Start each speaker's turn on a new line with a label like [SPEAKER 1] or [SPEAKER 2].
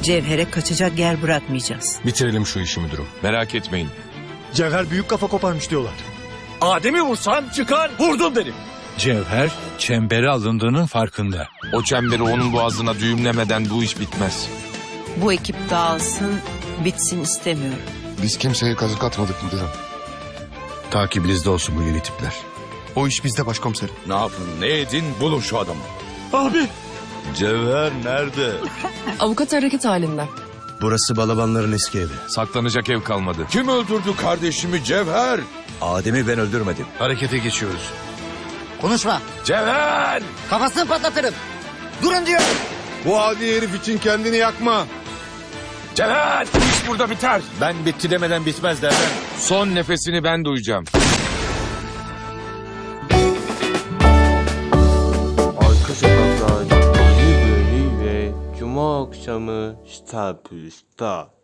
[SPEAKER 1] Cevher'e kaçacak yer bırakmayacağız.
[SPEAKER 2] Bitirelim şu işi müdürüm. Merak etmeyin.
[SPEAKER 3] Cevher büyük kafa koparmış diyorlar.
[SPEAKER 4] Adem'i vursam çıkar vurdum derim.
[SPEAKER 5] Cevher çembere alındığının farkında.
[SPEAKER 2] O çemberi onun boğazına düğümlemeden bu iş bitmez.
[SPEAKER 1] Bu ekip dağılsın, bitsin istemiyorum.
[SPEAKER 6] Biz kimseye kazık atmadık müdürüm.
[SPEAKER 5] Takibinizde olsun bu yeni tipler.
[SPEAKER 6] O iş bizde başkomiserim.
[SPEAKER 4] Ne yapın ne edin bulun şu adamı.
[SPEAKER 3] Abi.
[SPEAKER 4] Cevher nerede?
[SPEAKER 7] Avukat hareket halinde.
[SPEAKER 8] Burası balabanların eski evi.
[SPEAKER 2] Saklanacak ev kalmadı.
[SPEAKER 4] Kim öldürdü kardeşimi Cevher?
[SPEAKER 8] Adem'i ben öldürmedim.
[SPEAKER 5] Harekete geçiyoruz.
[SPEAKER 9] Konuşma.
[SPEAKER 4] Cevher!
[SPEAKER 9] Kafasını patlatırım. Durun diyor.
[SPEAKER 6] Bu adi herif için kendini yakma.
[SPEAKER 4] Cevher!
[SPEAKER 2] İş burada biter.
[SPEAKER 8] Ben bitti demeden bitmez derler.
[SPEAKER 2] Son nefesini ben duyacağım.
[SPEAKER 10] Arka Sokaklar yeni bölümüyle Cuma akşamı Star Plus'ta.